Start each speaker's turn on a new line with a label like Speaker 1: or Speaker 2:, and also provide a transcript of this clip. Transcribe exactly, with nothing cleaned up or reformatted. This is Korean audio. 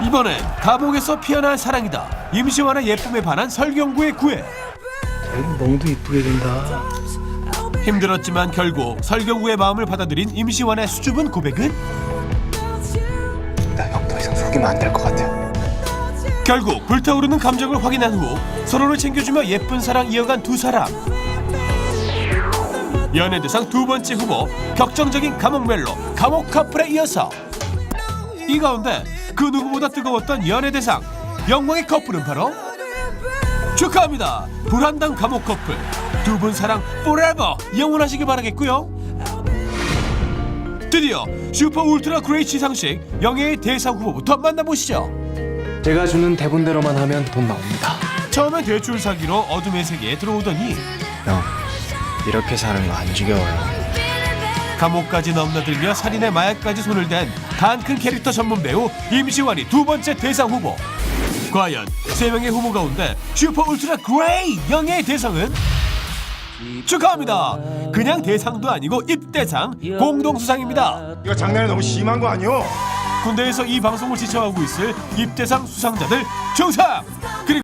Speaker 1: 이번엔 감옥에서 피어난 사랑이다. 임시완의 예쁨에 반한 설경구의 구애.
Speaker 2: 멍도 이쁘게 된다.
Speaker 1: 힘들었지만 결국 설경구의 마음을 받아들인 임시완의 수줍은 고백은
Speaker 2: 나 형 더 이상 속이면 안 될 것 같아.
Speaker 1: 결국 불타오르는 감정을 확인한 후 서로를 챙겨주며 예쁜 사랑 이어간 두 사람. 연예대상 두 번째 후보 격정적인 감옥 멜로 감옥 커플에 이어서 이 가운데 그 누구보다 뜨거웠던 연예대상 영광의 커플은 바로 축하합니다. 불한당 감옥 커플 두 분 사랑 forever 영원하시길 바라겠고요. 드디어 슈퍼 울트라 그레이 시상식 영예의 대상 후보부터 만나보시죠.
Speaker 2: 제가 주는 대본대로만 하면 돈 나옵니다.
Speaker 1: 처음엔 대출 사기로 어둠의 세계에 들어오더니
Speaker 2: 형, 이렇게 사는 거 안 지겨워요.
Speaker 1: 감옥까지 넘나들며 살인의 마약까지 손을 댄 단 큰 캐릭터 전문 배우 임시완이 두 번째 대상 후보. 과연 세 명의 후보 가운데 슈퍼 울트라 그레이 영예의 대상은? 축하합니다. 그냥 대상도 아니고 입대상 공동 수상입니다.
Speaker 3: 이거 장난이 너무 심한 거 아니오?
Speaker 1: 군대에서 이 방송을 지켜하고 있을 입대상 수상자들 중상! 그리고